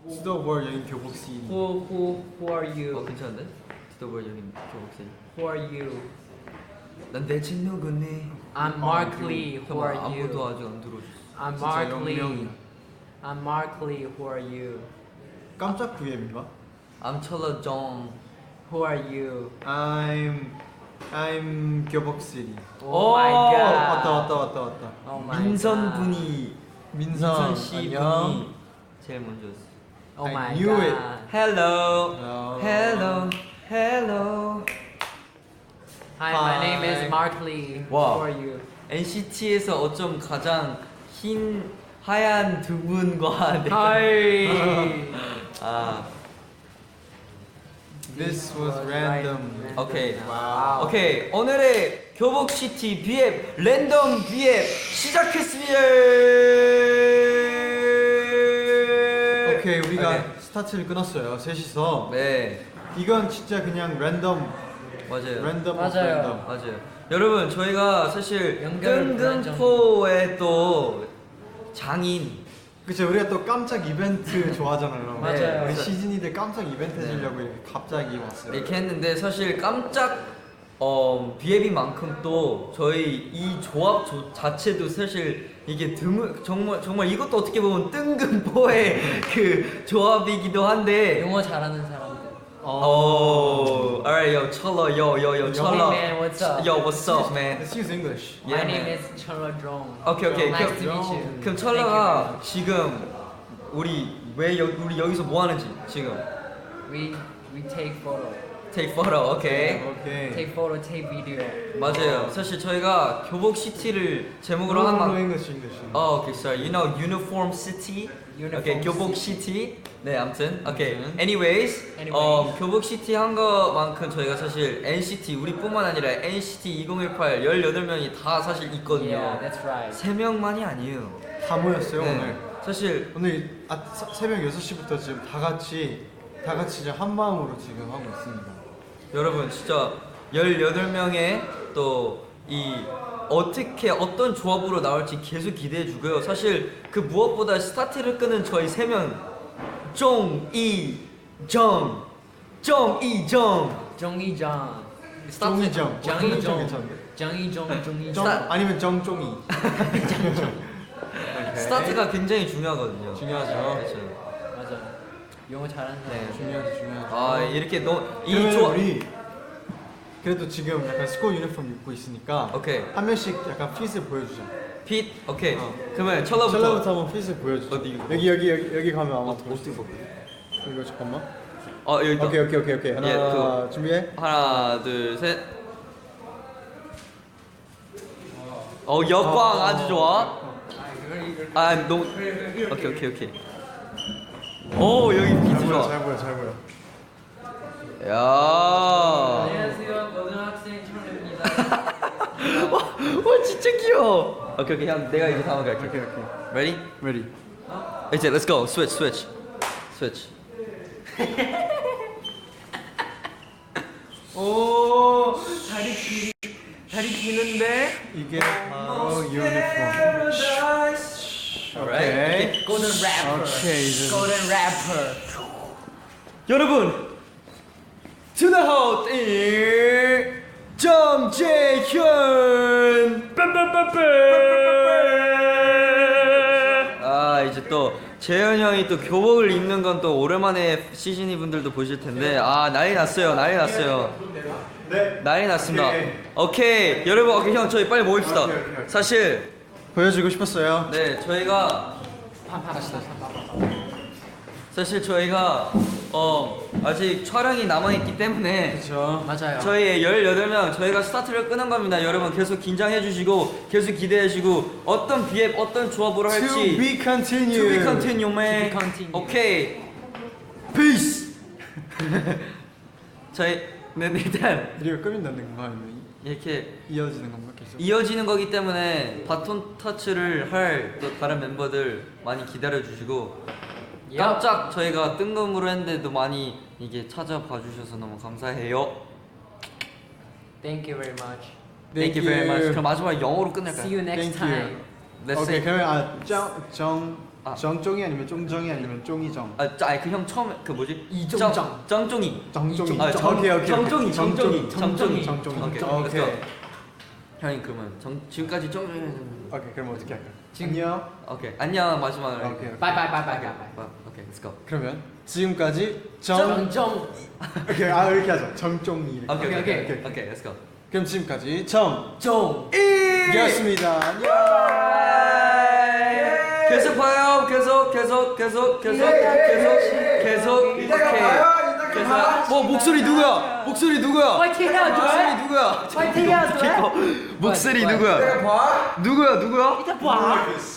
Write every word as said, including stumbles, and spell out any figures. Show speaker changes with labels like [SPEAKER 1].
[SPEAKER 1] 스토버 여인 교복씨.
[SPEAKER 2] Who who who are you?
[SPEAKER 3] 어 괜찮은데? 스토버 여긴 교복생.
[SPEAKER 2] Who are you?
[SPEAKER 3] 난 대체 누구니?
[SPEAKER 2] I'm Mark Lee. Who are
[SPEAKER 3] 아무도
[SPEAKER 2] you?
[SPEAKER 3] 아직 안 들어줬어.
[SPEAKER 2] I'm
[SPEAKER 1] 진짜
[SPEAKER 2] Mark Lee.
[SPEAKER 1] 영명이야.
[SPEAKER 2] I'm Mark Lee. Who are you?
[SPEAKER 1] 깜짝 브이엠인가?
[SPEAKER 3] I'm 철러 정.
[SPEAKER 2] Who are you?
[SPEAKER 1] I'm I'm 교복씨.
[SPEAKER 2] Oh my god.
[SPEAKER 1] 왔다 왔다 왔다 왔다.
[SPEAKER 2] Oh my
[SPEAKER 3] 민선
[SPEAKER 2] god.
[SPEAKER 3] 분이
[SPEAKER 1] 민선,
[SPEAKER 3] 민선 씨
[SPEAKER 1] 안녕.
[SPEAKER 3] 분이 제일 먼저였어.
[SPEAKER 2] Oh
[SPEAKER 1] I
[SPEAKER 2] my
[SPEAKER 1] knew
[SPEAKER 2] god.
[SPEAKER 1] it.
[SPEAKER 3] Hello.
[SPEAKER 1] Hello.
[SPEAKER 3] Hello. Hello.
[SPEAKER 2] Hi, my name is
[SPEAKER 1] Hi.
[SPEAKER 2] Mark Lee.
[SPEAKER 3] Wow.
[SPEAKER 2] Who are you?
[SPEAKER 3] 엔시티에서 어쩜 가장 흰 하얀 두 분과 네.
[SPEAKER 2] Hi.
[SPEAKER 3] 아
[SPEAKER 1] This was random.
[SPEAKER 3] 오케이.
[SPEAKER 2] 와우.
[SPEAKER 3] 오케이 오늘의 교복 시티 비앱 랜덤 비앱 시작했습니다.
[SPEAKER 1] 오케이 우리가
[SPEAKER 3] 오케이.
[SPEAKER 1] 스타트를 끊었어요. 셋이서.
[SPEAKER 3] 네
[SPEAKER 1] 이건 진짜 그냥 랜덤
[SPEAKER 3] 맞아요.
[SPEAKER 1] 랜덤
[SPEAKER 2] 맞아요.
[SPEAKER 1] 오브 랜덤.
[SPEAKER 3] 맞아요. 여러분 저희가 사실
[SPEAKER 2] 연결을
[SPEAKER 3] 뜬금포의 또 장인
[SPEAKER 1] 그쵸 우리가 또 깜짝 이벤트 좋아하잖아요.
[SPEAKER 2] 맞아요.
[SPEAKER 1] 우리 시즌이들 깜짝 이벤트 해주려고 이렇게 갑자기 왔어요.
[SPEAKER 3] 이렇게 했는데 사실 깜짝 어, 비앱인 만큼 또 저희 이 조합 조, 자체도 사실 이게 드물 정말 정말 이것도 어떻게 보면 뜬금포의 그 조합이기도 한데
[SPEAKER 2] 영어 잘하는 사람들.
[SPEAKER 3] 어, alright, yo, 철러, yo, yo, yo, 철러.
[SPEAKER 2] Hey man, what's up?
[SPEAKER 3] Yo, what's up, man?
[SPEAKER 1] Let's use English.
[SPEAKER 2] My
[SPEAKER 3] Yeah,
[SPEAKER 2] name
[SPEAKER 3] man.
[SPEAKER 2] is Cholo Drong.
[SPEAKER 3] 오케이, 오케이.
[SPEAKER 2] Nice
[SPEAKER 3] 그럼,
[SPEAKER 2] to meet you.
[SPEAKER 3] 그럼
[SPEAKER 2] Thank
[SPEAKER 3] 철러가
[SPEAKER 2] you
[SPEAKER 3] 지금 우리 왜 여, 우리 여기서 뭐 하는지 지금
[SPEAKER 2] very much. We we take photo.
[SPEAKER 3] take photo, 오케이.
[SPEAKER 1] 오케이.
[SPEAKER 2] Take photo, take video.
[SPEAKER 3] 맞아요. 사실 저희가 교복 시티를 제목으로 한
[SPEAKER 1] No, no,
[SPEAKER 3] 만.
[SPEAKER 1] English, English.
[SPEAKER 3] 어, 오케이, sorry. You know, uniform city.
[SPEAKER 2] Uniform
[SPEAKER 3] 오케이, 교복
[SPEAKER 2] city.
[SPEAKER 3] 시티. 네, 아무튼. 오케이.
[SPEAKER 1] 아무튼.
[SPEAKER 3] Anyways,
[SPEAKER 2] Anyways.
[SPEAKER 3] 어, 교복 시티 한 거만큼 저희가 사실 엔시티 우리뿐만 아니라 엔시티 이천십팔 열여덟 명이 다 사실 있거든요.
[SPEAKER 2] Yeah, that's right.
[SPEAKER 3] 세 명만이 아니에요.
[SPEAKER 1] 다 모였어요
[SPEAKER 3] 네.
[SPEAKER 1] 오늘.
[SPEAKER 3] 사실
[SPEAKER 1] 오늘 아, 사- 새벽 여섯 시부터 지금 다 같이 다 같이 이제 한 마음으로 지금 하고 있습니다.
[SPEAKER 3] 여러분 진짜 열여덟 명의 또 이 어떻게 어떤 조합으로 나올지 계속 기대해 주고요. 사실 그 무엇보다 스타트를 끄는 저희 세 명 정이정 정이정
[SPEAKER 2] 정이정.
[SPEAKER 1] 정이정.
[SPEAKER 2] 정이정.
[SPEAKER 1] 괜찮은데?
[SPEAKER 2] 정이정. 정이정.
[SPEAKER 1] 정 아니면 정종이.
[SPEAKER 3] 스타트가 굉장히 중요하거든요.
[SPEAKER 1] 중요하죠.
[SPEAKER 3] 그렇죠.
[SPEAKER 2] 맞아. 영어 잘하는 사람.
[SPEAKER 3] 네.
[SPEAKER 1] 중요하지 중요하지.
[SPEAKER 3] 아 이렇게 너이
[SPEAKER 1] 그러면
[SPEAKER 3] 조합
[SPEAKER 1] 우리 그래도 지금 약간 스쿨 유니폼 입고 있으니까
[SPEAKER 3] 오케이
[SPEAKER 1] 한 명씩 약간 핏을 보여주자.
[SPEAKER 3] 핏 오케이
[SPEAKER 1] 어.
[SPEAKER 3] 그러면 철러부터
[SPEAKER 1] 찰나부터 한번 핏을 보여주자.
[SPEAKER 3] 어디 이거?
[SPEAKER 1] 여기 여기 여기 여기 가면 아마
[SPEAKER 3] 어,
[SPEAKER 1] 더
[SPEAKER 3] 어떻게 볼까?
[SPEAKER 1] 이거 잠깐만.
[SPEAKER 3] 어 여기 있다.
[SPEAKER 1] 오케이 오케이 오케이 오케이 하나
[SPEAKER 3] 예, 그거.
[SPEAKER 1] 준비해.
[SPEAKER 3] 하나 둘셋 어 역광
[SPEAKER 1] 어.
[SPEAKER 3] 아주 좋아. 아 너무 오케이 오케이 오케이 오 여기
[SPEAKER 1] 잘
[SPEAKER 3] 비트
[SPEAKER 1] 보여
[SPEAKER 3] 좋아.
[SPEAKER 1] 잘 보여 잘 보여.
[SPEAKER 3] 야
[SPEAKER 2] 안녕하세요. 고등학생 철입니다.
[SPEAKER 3] 와, 와 진짜 귀여워. 오케이 오케이 형 내가 이제 다음 갈게.
[SPEAKER 1] 오케이 오케이.
[SPEAKER 3] Ready?
[SPEAKER 1] Ready.
[SPEAKER 3] 이제 let's go switch switch switch.
[SPEAKER 2] 오, 다리 기 다리 기는데.
[SPEAKER 1] 이게 바로 유니폼.
[SPEAKER 3] Alright.
[SPEAKER 2] Golden rapper.
[SPEAKER 1] 오케이 이제.
[SPEAKER 2] Golden rapper.
[SPEAKER 3] 여러분 to the house is 정재현. 아 이제 또 재현 형이 또 교복을 입는 건 또 오랜만에 시즌이 분들도 보실 텐데 아 난리 났어요 난리 났어요.
[SPEAKER 1] 네.
[SPEAKER 3] 난리 났습니다.
[SPEAKER 1] 오케이.
[SPEAKER 3] 오케이 여러분 오케이 형 저희 빨리 모입시다.
[SPEAKER 1] 오케이, 오케이, 오케이.
[SPEAKER 3] 사실
[SPEAKER 1] 보여주고 싶었어요.
[SPEAKER 3] 네 저희가 사실 저희가 어 아직 촬영이 남아있기 때문에
[SPEAKER 1] 그렇죠.
[SPEAKER 2] 맞아요.
[SPEAKER 3] 저희 열여덟 명 저희가 스타트를 끄는 겁니다. 여러분 계속 긴장해 주시고 계속 기대해 주시고 어떤 비앱 어떤 조합으로 할지
[SPEAKER 1] To be continued.
[SPEAKER 3] To be continue man.
[SPEAKER 2] To be continued.
[SPEAKER 3] 오케이 Peace. 저희 네 일단
[SPEAKER 1] 우리가 끄민다는 건가 아니면
[SPEAKER 3] 이렇게
[SPEAKER 1] 이어지는 건가 계속?
[SPEAKER 3] 이어지는 거기 때문에 바톤 터치를 할 또 다른 멤버들 많이 기다려 주시고 깜짝 저희가 뜬금으로 했는데도 많이 이게 찾아봐 주셔서 너무 감사해요.
[SPEAKER 2] Thank you very much.
[SPEAKER 3] Thank you very much. 그럼 마지막 영어로 끝낼까요?
[SPEAKER 2] See you next
[SPEAKER 1] Thank you.
[SPEAKER 2] time.
[SPEAKER 3] Let's
[SPEAKER 1] 오케이
[SPEAKER 3] say
[SPEAKER 1] 그러면 아정정
[SPEAKER 3] 아.
[SPEAKER 1] 정종이 아니면 쫑정이 아니면 쫑이정.
[SPEAKER 3] 아, 짜- 아니 그 형 처음에 그 뭐지?
[SPEAKER 2] 이종정.
[SPEAKER 3] 정- 정종이.
[SPEAKER 1] 정종이.
[SPEAKER 3] 아, 정,
[SPEAKER 1] 오케이, 오케이, 오케이.
[SPEAKER 3] 정종이, 정종이, 정종이,
[SPEAKER 1] 정종이.
[SPEAKER 3] 오케이,
[SPEAKER 1] 오케이.
[SPEAKER 3] 오케이. 형이 그러면 정, 지금까지 정종이.
[SPEAKER 1] 오케이, 그럼 어떻게 할까?
[SPEAKER 3] 지금-
[SPEAKER 1] 안녕.
[SPEAKER 3] 오케이, 안녕 마지막으로.
[SPEAKER 1] 오케이, 오케이.
[SPEAKER 2] 바이 바이 바이 바이
[SPEAKER 3] 오케이,
[SPEAKER 2] 바이.
[SPEAKER 3] 오케이, let's go.
[SPEAKER 1] 그러면 지금까지 정.
[SPEAKER 2] 정정.
[SPEAKER 1] 오케이, 아 이렇게 하자. 정종이. 이렇게.
[SPEAKER 3] 오케이, 오케이,
[SPEAKER 2] 오케이,
[SPEAKER 3] 오케이, 오케이, let's go.
[SPEAKER 1] 그럼 지금까지 정.
[SPEAKER 2] 정.
[SPEAKER 1] 이었습니다.
[SPEAKER 3] 계속 봐요. 계속, 계속, 계속, 계속, 계속, 계속. 오케이. 계속.
[SPEAKER 1] 어 목소리 누구야? 목소리 누구야?
[SPEAKER 2] 화이팅 해야
[SPEAKER 1] 목소리
[SPEAKER 2] 돼.
[SPEAKER 1] 누구야?
[SPEAKER 2] 화이팅 해야 돼.
[SPEAKER 1] 목소리
[SPEAKER 2] 뭐야,
[SPEAKER 1] 누구야? 누구야 누구야?
[SPEAKER 2] 이따 봐.